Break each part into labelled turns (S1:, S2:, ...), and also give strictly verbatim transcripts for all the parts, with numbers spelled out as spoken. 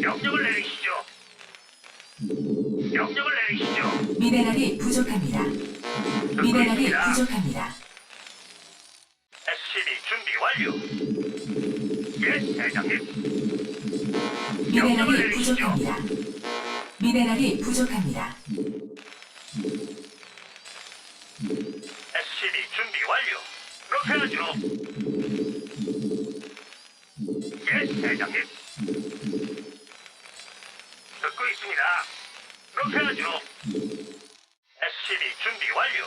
S1: 명령을 내리시죠. 명령을 내리시죠.
S2: 미네랄이 부족합니다.
S1: 듣고
S2: 미네랄이
S1: 있습니다.
S2: 부족합니다.
S1: 에스씨비 준비 완료. 예, 대장님.
S2: 미네랄이 부족합니다. 미네랄이 부족합니다.
S1: 에스씨비 준비 완료. 그렇게 하죠. 예, 대장님. 듣고 있습니다. 그렇게 하죠. 에스씨비 준비 완료.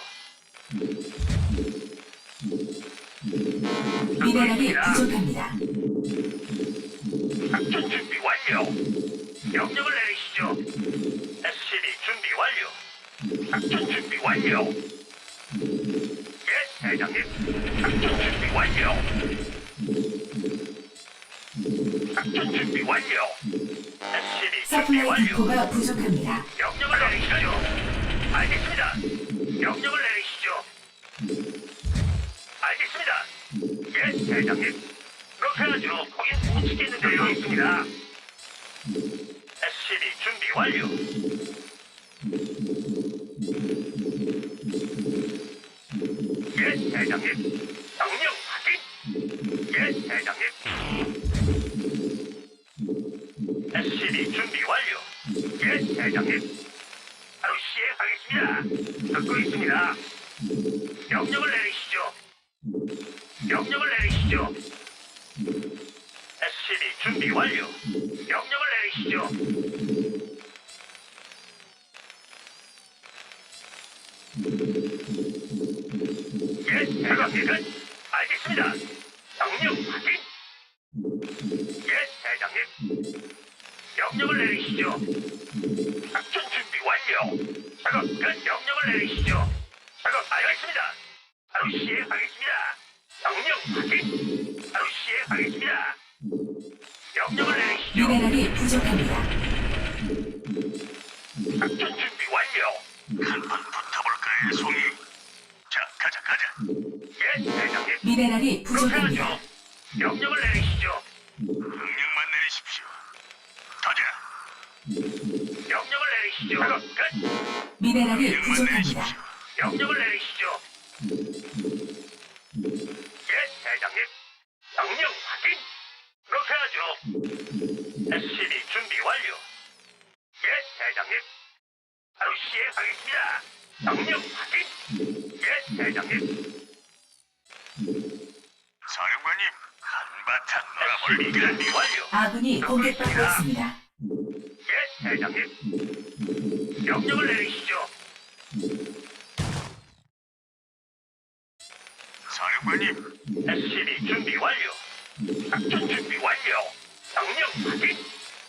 S1: 듣고
S2: 미네랄이
S1: 있습니다.
S2: 부족합니다.
S1: 작전 준비 완료. 명령을 내리시죠. 에스씨비 준비 완료. 작전 준비 완료. 예, 대장님. 작전 준비 완료. 작전 준비 완료. 에스씨비 준비
S2: 서플라이
S1: 완료.
S2: 디포가 부족합니다.
S1: 명령을 내리시죠. 알겠습니다. 명령을 내리시죠. 알겠습니다. 예, 대장님. 그렇게 하죠. 거긴 못 지켰는데요. 있습니다. 에스씨비 준비 완료. 예, 대장님. 명령 확인. 예, 대장님. 에스씨비 준비 완료. 예, 대장님. 바로 시행하겠습니다. 듣고 있습니다. 명령을 내리시죠. 명령을 내리시죠. 에스씨비 준비 완료. 명령을 내리시죠. 예, 대장님. 알겠습니다. 명령 확인. 예, 대장님. 명령을 내리시죠. 작전 준비 완료. 작업 끝. 명령을 내리시죠. 작업 알겠습니다. 바로 시행하겠습니다. 명령 확인. 바로 시행하겠습니다. 명령을 내리시죠.
S2: 미네랄이 부족합니다.
S1: 작전 준비 완료. 한판 붙어볼까요, 송이? 자, 가자, 가자. 예, 대장님.
S2: 미네랄이
S1: 그렇게
S2: 부족합니다.
S1: 하죠. 명령을 내리시죠.
S3: 명령만 내리십시오. 가자.
S1: 명령을 내리시죠. 작업 끝.
S2: 미네랄이
S3: 명령만
S2: 부족합니다.
S3: 내리십시오.
S1: 명령을 내리시죠. 예, 대장님. 명령 확인. 그렇게 하죠. 에스씨비 준비 완료. 예, 대장님. 바로 시행하겠습니다. 명령 확인. 예, 대장님.
S3: 사령관님, 한바탕
S1: 에스씨비
S3: 놀아볼까?
S1: 준비 완료.
S2: 아군이 공격받고 있습니다.
S1: 예, 대장님. 명령을 내리시죠.
S3: 사령관님,
S1: 에스씨비 준비 완료. 작전 준비 완료. 명령 확인.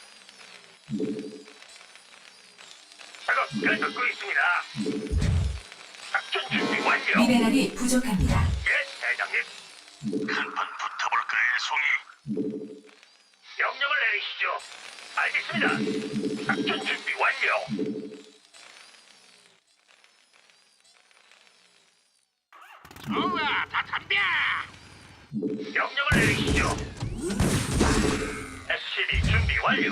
S1: 작업 끝. 듣고 있습니다. 작전 준비 완료.
S2: 미네랄이 부족합니다.
S1: 예, 대장님.
S3: 한판 붙어볼까요, 송이?
S1: 명령을 내리시죠. 알겠습니다. 작전 준비 완료.
S3: 좋아, 다 덤벼!
S1: 명령을 내리시죠. 에스씨비 준비 완료.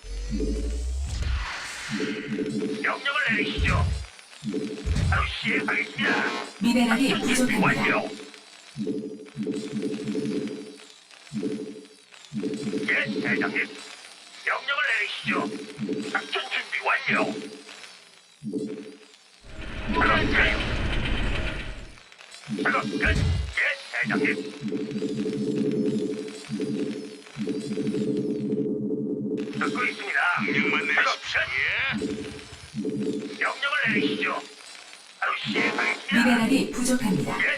S1: 명령을 내리시죠. 바로 시행하겠습니다.
S2: 미네랄이
S1: 작전 준비
S2: 부족합니다.
S1: 완료. 예, 대장님. 명령을 내리시죠. 작전 준비 완료. 작업 끝. 작업 끝. 예, 대장님. 듣고 있습니다.
S3: 명령만
S1: 작업
S3: 내리십시오.
S1: 끝. 명령을 내리시죠. 바로 시행하겠습니다.
S2: 미네랄이 부족합니다.
S1: 예,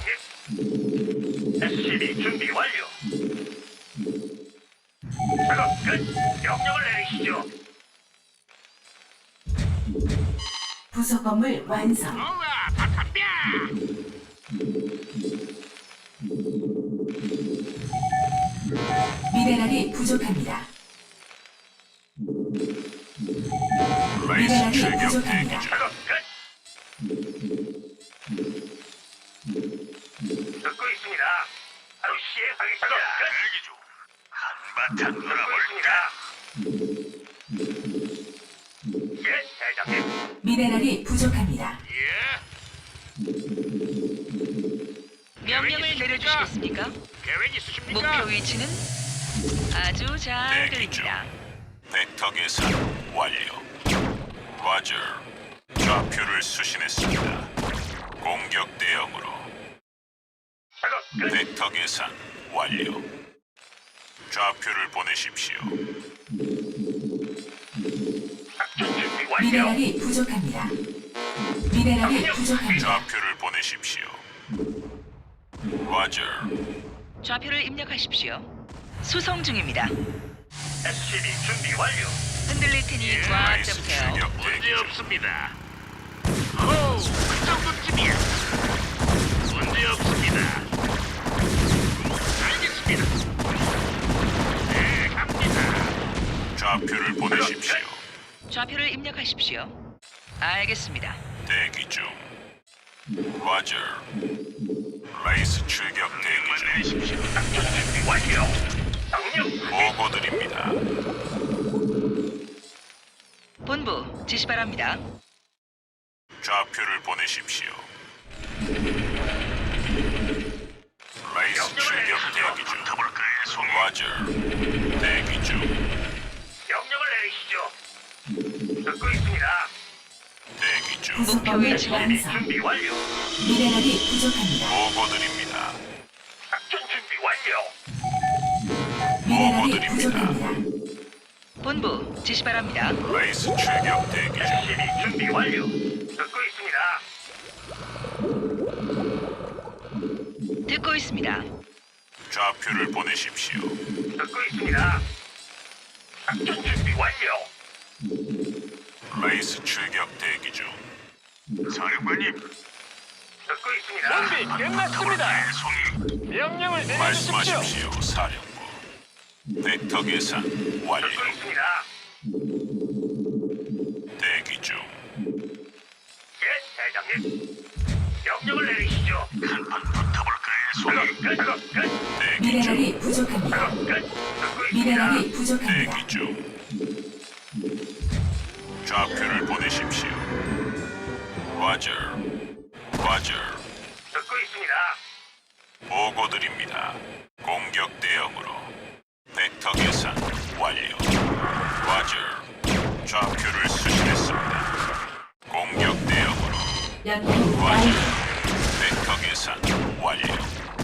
S1: 대장님. 에스씨비 준비 완료. 작업 끝. 명령을 내리시죠.
S2: 부속 건물 완성.
S3: 좋아, 다 덤벼!
S2: 미네랄이 부족합니다.
S3: 라이스
S2: 미네랄이
S3: 출격
S2: 부족합니다.
S3: 대기 중.
S1: 작업 끝. 듣고 있습니다. 바로 시행하겠습니다. 작업 끝.
S3: 대기 중. 한바탕
S1: 듣고
S3: 놀아볼까?
S1: 있습니다.
S2: 미네랄이 부족합니다.
S3: 예.
S4: 명령을 내려주시겠습니까?
S3: 계획 있으십니까?
S4: 목표 위치는 아주 잘 들립니다.
S5: 벡터 계산 완료. 과저 좌표를 수신했습니다. 공격 대응으로
S1: 작업 끝.
S5: 벡터 계산 완료. 좌표를 보내십시오.
S1: 작전 준비 완료.
S2: 미네랄이 부족합니다. 미네랄이 부족합니다.
S5: 좌표를 보내십시오. 과저
S4: 좌표를 입력하십시오. 수송 중입니다.
S1: 에스씨비 준비 완료.
S4: 흔들릴 테니 꽉
S5: 라이스
S4: 잡으세요.
S5: 출격
S3: 문제
S5: 대기 중.
S3: 없습니다. 호우, 그 정도쯤이야. 문제 없습니다. 알겠습니다. 네, 갑니다.
S5: 좌표를 보내십시오.
S4: 좌표를 입력하십시오. 알겠습니다.
S5: 대기 중. 과저 라이스 출격 대기 중.
S3: 내리십시오.
S1: 작전 준비 완료. 명령
S5: 보고드립니다.
S4: 본부 지시 바랍니다.
S5: 좌표를 보내십시오. 라이스 출격 대기 중.
S3: 붙어볼까요, 송이?
S5: 과저 대기 중.
S1: 명령을 내리시죠. 듣고 있습니다.
S5: 대기 중.
S4: 목표
S2: 부속범을
S4: 위치는
S2: 완성.
S1: 준비 완료.
S2: 미네랄이 부족합니다.
S5: 보고드립니다.
S1: 작전 준비 완료.
S2: 미네랄이
S5: 보고드립니다.
S2: 부족합니다.
S4: 본부 지시 바랍니다.
S5: 라이스 출격 대기 중.
S1: 에스씨비 준비 완료. 듣고 있습니다.
S4: 듣고 있습니다.
S5: 좌표를 보내십시오.
S1: 듣고 있습니다. 작전 준비 완료.
S5: 라이스 출격 대기 중.
S3: 사령관님,
S1: 듣고 있습니다.
S3: 준비 끝났습니다. 송이. 명령을 내려주십시오.
S5: 말씀하십시오, 사령부. 벡터 계산 완료.
S1: 듣고 있습니다.
S5: 대기 중.
S1: 예, 대장님. 명령을 내리시죠.
S3: 한판 붙어볼까요,
S1: 작업
S3: 송이?
S1: 끝. 작업 끝.
S5: 대기 중.
S2: 미네랄이 부족합니다.
S1: 작업 끝. 듣고 있습니다.
S2: 미네랄이 부족합니다.
S5: 대기 중. 좌표를 보내십시오. 과저 과저
S1: 듣고 있습니다.
S5: 보고드립니다. 공격 대응으로 벡터 계산 완료. 과저 좌표를 수신했습니다. 공격 대응으로
S2: 연구
S5: 과저
S2: 완료.
S5: 벡터 계산 완료.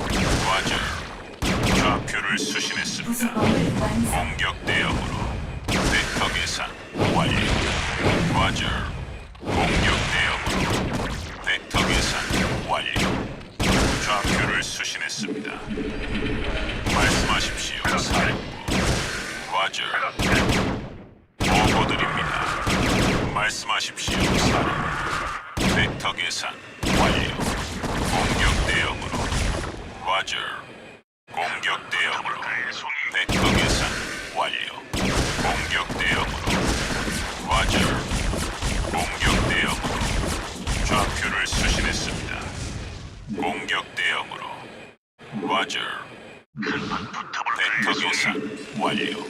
S5: 과저 좌표를 수신했습니다.
S2: 부속범을 완성.
S5: 공격 대응으로 벡터 계산 완료. 과저 공격 대응으로 벡터 계산 완료. 좌표를 수신했습니다. 말씀하십시오, 사령부. 과저
S1: 작업 끝.
S5: 보고드립니다. 말씀하십시오, 사령부. 벡터 계산 완료. 공격 대응으로 과저 공격 대응으로
S3: 붙어볼까요, 송이?
S5: 벡터 계산 완료. 공격 대응으로 과저 공격 대응으로 좌표를 수신했습니다. 공격 대응으로 과저
S3: 한판 붙어볼까요,
S5: 벡터
S3: 송이?
S5: 계산 완료.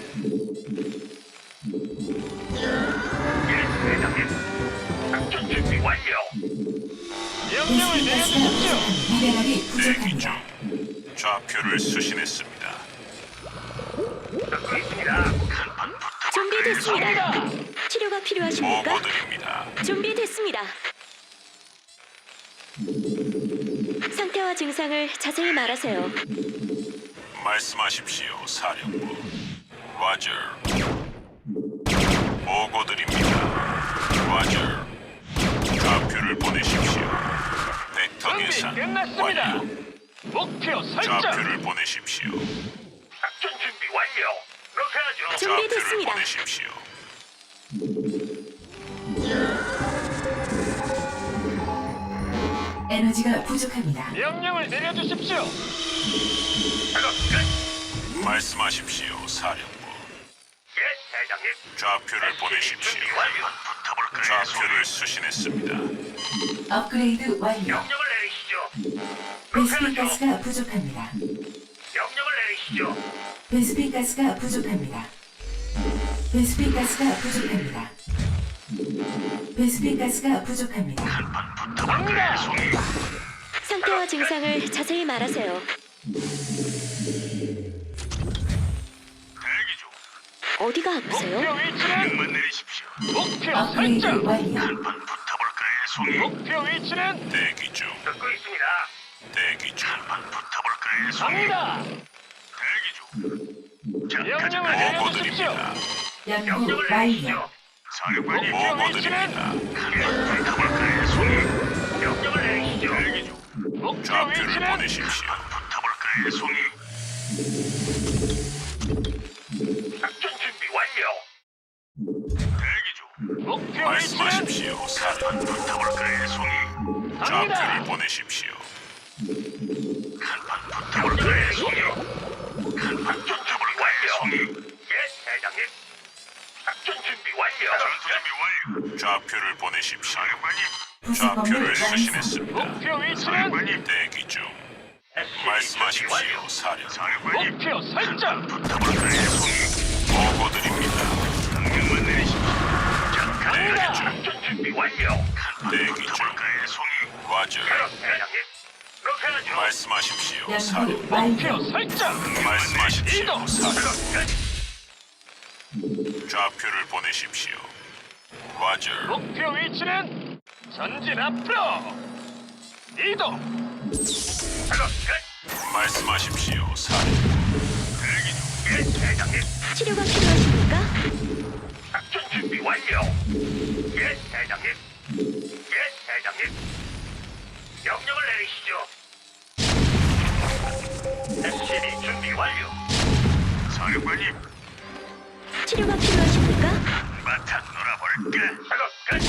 S1: 예, 대장님. 작전 준비 완료.
S3: 명령을 내려주십시오.
S2: 미네랄이
S5: 대기 중.
S2: 부족합니다.
S5: 좌표를 수신했습니다.
S1: 듣고 있습니다.
S3: 한판 붙어볼까요,
S6: 준비됐습니다.
S3: 송이?
S6: 치료가 필요하십니까?
S5: 보고드립니다.
S6: 준비됐습니다. 상태와 증상을 자세히 말하세요.
S5: 말씀하십시오, 사령부. 과저 보고드립니다. 과저 좌표를 보내십시오. 벡터
S3: 준비
S5: 계산
S3: 끝났습니다.
S5: 완료.
S3: 목표 설정.
S5: 좌표를 보내십시오.
S1: 작전 준비 완료. 그렇게 하죠.
S5: 좌표를
S6: 준비됐습니다.
S5: 보내십시오.
S2: 에너지가 부족합니다.
S3: 명령을 내려주십시오.
S1: 작업 끝.
S5: 말씀하십시오, 사령부.
S1: 예, 대장님.
S5: 좌표를 보내십시오.
S1: 준비 완료.
S3: 붙어볼까요,
S5: 좌표를 수신했습니다.
S2: 업그레이드 완료.
S1: 명령을 내리시죠. 그렇게
S2: 베스핀
S1: 하죠.
S2: 가스가 부족합니다.
S1: 명령을 내리시죠.
S2: 베스핀 가스가 부족합니다. 베스핀 가스가 부족합니다. 베스핀 가스가 부족합니다.
S3: 갑니다.
S6: 상태와 증상을 자세히 말하세요.
S3: 대기 중.
S6: 어디가 아프세요?
S3: 목표 위치는
S1: 명만 내리십시오.
S3: 목표
S2: 업그레이드
S3: 설정.
S2: 완료.
S1: 한번 붙어볼까요, 송이?
S3: 목표 위치는
S5: 대기 중.
S1: 듣고 있습니다.
S5: 대기 중.
S1: 한번 붙어볼까요, 송이?
S3: 갑니다.
S1: 대기 중. 자, 가자,
S3: 명령을
S1: 가자.
S3: 내려주십시오.
S5: 보고드립니다.
S2: 연구
S1: 명령을
S2: 완료.
S1: 내리시죠. 사령관님,
S3: 목표 위치는
S5: 보고드립니다.
S1: 붙어볼까요, 송이? 명령을 내리시죠. 대기 중.
S3: 목표
S5: 좌표를
S3: 위치는
S5: 보내십시오.
S1: 붙어볼까요, 송이? 작전 준비 완료. 대기 중.
S3: 목표 위치는
S5: 말씀하십시오. 사령.
S1: 붙어볼까요, 송이?
S5: 좌표를
S3: 갑니다.
S5: 보내십시오.
S1: 붙어볼까요, 송이? 한판 붙어볼까요, 송이? 예, 대장님. 작전 준비 완료. 전투 준비 완료.
S5: 좌표를 보내십시오.
S1: 사령관님,
S2: 부속 건물
S5: 좌표를
S2: 완성.
S5: 수신했습니다.
S3: 목표 위치는
S1: 사령관님.
S5: 대기 중.
S1: 에스씨비 준비
S5: 말씀하십시오.
S1: 완료.
S5: 사령.
S1: 사령관님,
S3: 목표 설정.
S1: 붙어볼까요, 송이?
S5: 보고드립니다.
S1: 명령만 내리십시오. 자,
S3: 갑니다.
S1: 작전 준비 완료.
S5: 대기 중.
S1: 붙어볼까요, 송이?
S5: 과절.
S1: 그럼 대장님. 그렇게 하죠.
S5: 말씀하십시오.
S2: 연구
S5: 사령.
S3: 목표
S2: 완료.
S3: 설정.
S5: 말씀하십시오.
S3: 이동.
S5: 사령.
S1: 그럼 끝.
S5: 좌표를 보내십시오. 과절.
S3: 목표 위치는 전진 앞으로. 이동.
S1: 그럼 끝.
S5: 말씀하십시오. 사령.
S1: 대기 중. 예, 대장님.
S6: 치료가 필요하십니까?
S1: 작전 준비 완료. 예, 대장님. 예, 대장님. 명령을 내리시죠. 에스씨비 준비 완료. 사령관님,
S6: 치료가 필요하십니까?
S1: 바탕 놀아볼까? 작업 끝.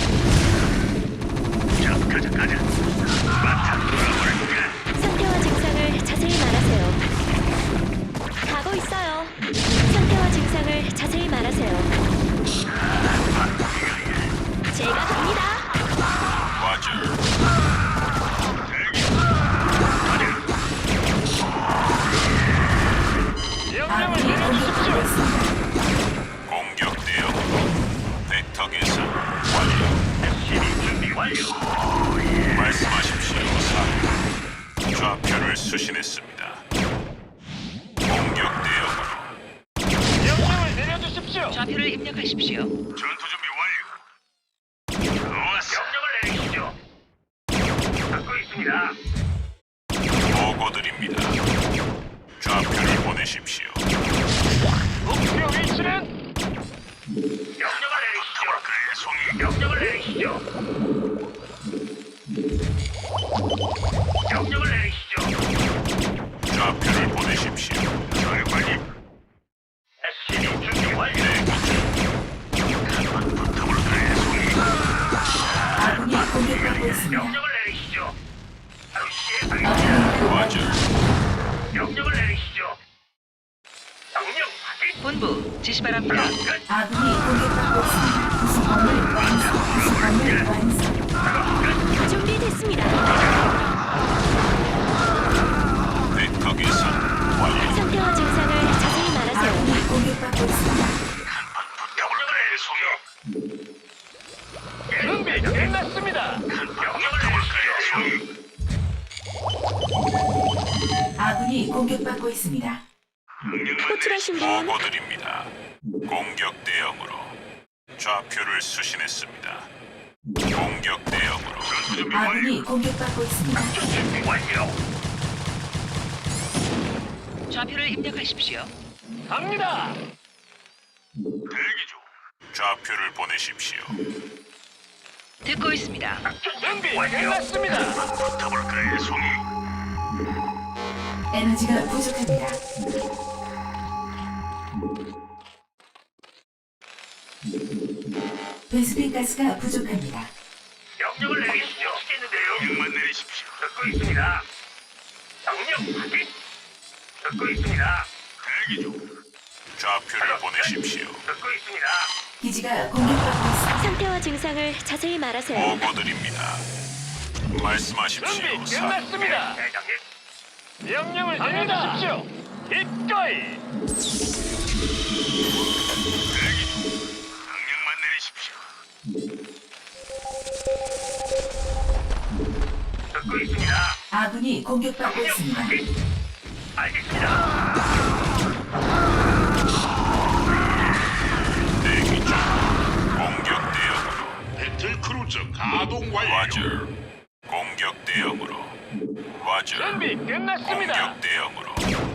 S1: 자, 가자, 가자. 바탕 놀아볼까?
S6: 상태와 증상을 자세히 말하세요. 가고 있어요. 상태와 증상을 자세히 말하세요. 제가 갑니다.
S5: 과절.
S3: 명령을
S2: 아군이 공격받고
S3: 내려주십시오.
S2: 있습니다.
S5: 공격 대응. 벡터 계산 완료.
S1: 에스씨비 준비 완료.
S5: 말씀하십시오. 사령. 좌표를 수신했습니다. 공격 대응으로.
S3: 명령을 내려주십시오.
S4: 좌표를 입력하십시오.
S1: 전투 준비 완료. 좋았어. 명령을 내리시죠. 듣고 있습니다.
S5: 보고드립니다. 좌표를 보내십시오.
S3: 목표 위치는
S1: 명령을 내리시죠. 그래, 송이. 명령을 내리시죠. 명령을 내리시죠.
S5: 좌표를 보내십시오.
S1: 사령관님, 에스씨비 준비 완료. 한번 붙어볼까요, 송이?
S2: 아군이 공격받고 있습니다.
S1: 명령을 내리시죠. 바로 시행하겠습니다.
S2: 업그레이드
S5: 과절.
S2: 완료.
S1: 명령을 내리시죠. 명령 확인.
S4: 본부 지시 바랍니다.
S1: 끝.
S2: 아군이 공격받고 있습니다. 부속 건물 완성. 부속 건물 완성.
S6: 준비됐습니다.
S5: 벡터 계산 완료.
S6: 상태와 증상을 자세히 말하세요.
S2: 아군이 공격받고 있습니다.
S1: 명령을 내리시죠.
S3: 준비 끝났습니다.
S1: 명령을 내리시죠.
S2: 아군이 공격받고 있습니다.
S6: 호출하신 분
S5: 보고드립니다. 공격 대응으로. 좌표를 수신했습니다. 공격 대응으로.
S1: 준비 완료.
S2: 아군이 공격받고 있습니다.
S1: 준비 완료.
S4: 좌표를 입력하십시오.
S3: 갑니다.
S1: 대기 중.
S5: 좌표를 보내십시오.
S4: 듣고 있습니다.
S3: 준비 끝났습니다.
S1: 붙어볼까요, 송이?
S2: 에너지가 부족합니다. 베스핀 가스가 부족합니다.
S1: 명령을 내리시죠. 시겠는데요. 명령만 내리십시오. 듣고 있습니다. 명령 확인. 듣고 있습니다. 대기 중.
S5: 좌표를 보내십시오.
S1: 듣고 있습니다.
S2: 기지가 공격받고 있습니다.
S6: 상태와 증상을 자세히 말하세요.
S5: 보고드립니다. 말씀하십시오.
S3: 준비
S5: 사령.
S3: 끝났습니다.
S1: 대장님.
S3: 명령을 내려주십시오. 기꺼이.
S1: 대기 중. 명령만 내리십시오.
S2: 공격받고 있습니다.
S1: 알겠습니다.
S5: 대기 중. 공격 대응으로.
S1: 배틀 크루저 가동 완료.
S5: 와저. 공격 대응으로. 와저.
S3: 준비 끝났습니다.
S5: 공격 대응으로.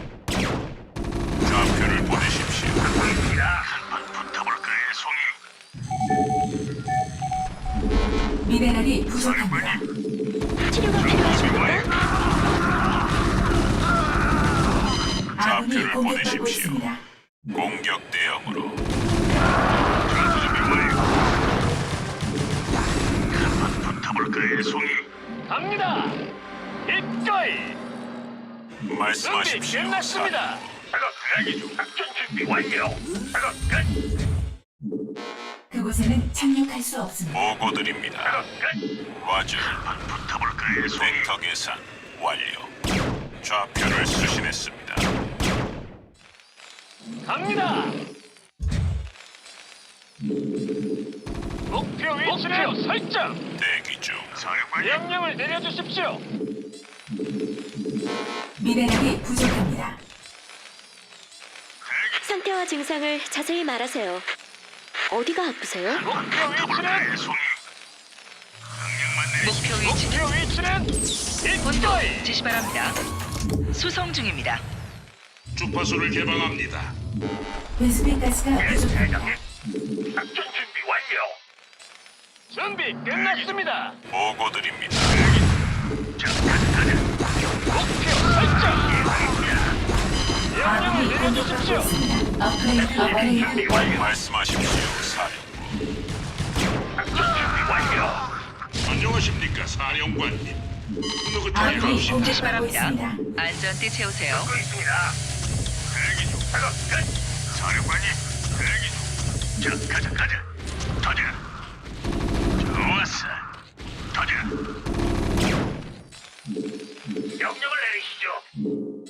S5: 좌표를 보내십시오.
S1: 한판 붙어볼까요, 송이?
S2: 미네랄이 부족합니다.
S6: 치료가 필요하십니까?
S2: 아군이
S5: 좌표를
S2: 공격받고
S5: 보내십시오.
S2: 있습니다.
S5: 공격 대응으로.
S1: 한판 붙어볼까요, 송이?
S3: 갑니다. 기꺼이. 준비
S5: 말씀하십시오.
S3: 끝났습니다.
S1: 작업 대기 중. 작전 준비 완료. 작업 끝.
S2: 그곳에는 착륙할 수 없습니다.
S5: 보고드립니다.
S1: 작업 끝.
S5: 와저.
S1: 한판 붙어볼까요, 송이?
S5: 벡터 계산 완료. 좌표를 수신했습니다.
S3: 갑니다. 목표 위치를 설정.
S5: 대기 중.
S1: 사령관님.
S3: 명령을 내려주십시오.
S2: 미네랄이 부족합니다.
S6: 상태와 증상을 자세히 말하세요. 어디가 아프세요?
S3: 목표 위치는
S1: 붙어볼까요, 송이? 명령만 내리십시오.
S4: 목표 위치는
S3: 목표 위치는
S4: 본부
S3: 기꺼이.
S4: 지시 바랍니다. 수송 중입니다.
S1: 주파수를 개방합니다.
S2: 베스핀 가스가 부족합니다.
S1: 작전 준비 완료.
S3: 준비 끝났습니다.
S5: 보고드립니다.
S1: 자, 가자, 가자.
S3: 목표 설정. 명령을
S2: 아군이 공격받고
S3: 내려주십시오.
S2: 있습니다. 업그레이드 완료.
S1: 준비 완료.
S5: 말씀하십시오. 사령부.
S1: 작전 준비 완료. 안녕하십니까, 사령관님. 느긋하게
S2: 아군이
S1: 갑시다.
S4: 지시
S2: 공격받고
S4: 바랍니다.
S2: 있습니다.
S4: 안전띠 채우세요.
S1: 듣고 있습니다. 대기 중. 작업 끝. 사령관님, 대기 중. 자, 가자, 가자. 터져. 좋았어. 터져. 명령을 내리시죠.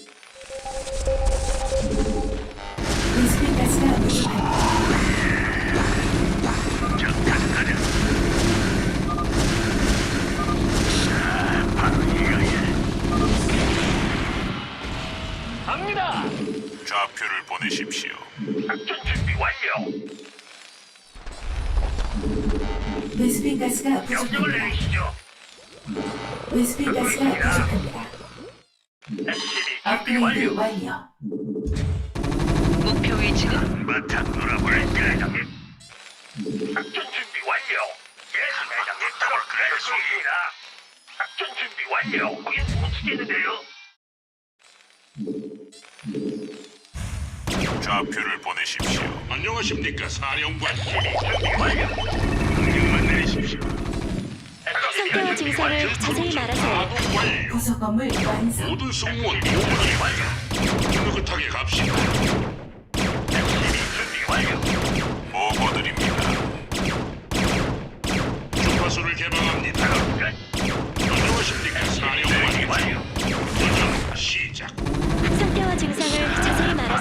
S2: 베스핀 가스가 부족합니다.
S1: 자, 가자, 가자. 자, 바로 이거야.
S3: 갑니다.
S5: 좌표를 보내십시오.
S1: 작전 준비 완료.
S2: 베스핀 가스가
S1: 명령을
S2: 부족합니다.
S1: 내리시죠.
S2: 베스핀 가스가 부족합니다.
S1: 에스씨비 준비
S2: 업그레이드
S1: 완료.
S2: 완료.
S4: 목표 위치는
S1: 바탕 놀아볼까, 회장님? 작전 준비 완료. 예, 회장님. 타볼까요, 송이입니다. 작전 준비 완료. 거긴 못 치겠는데요.
S5: 좌표를 보내십시오.
S1: 안녕하십니까, 사령관. 준비 완료. 명령만 내리십시오.
S6: 상태와 증상을 자세히 말하세요.
S1: 가동 완료.
S2: 부속 건물 완성.
S1: 모든 승무원 오분이 완료. 느긋하게 갑시다. 준비 완료.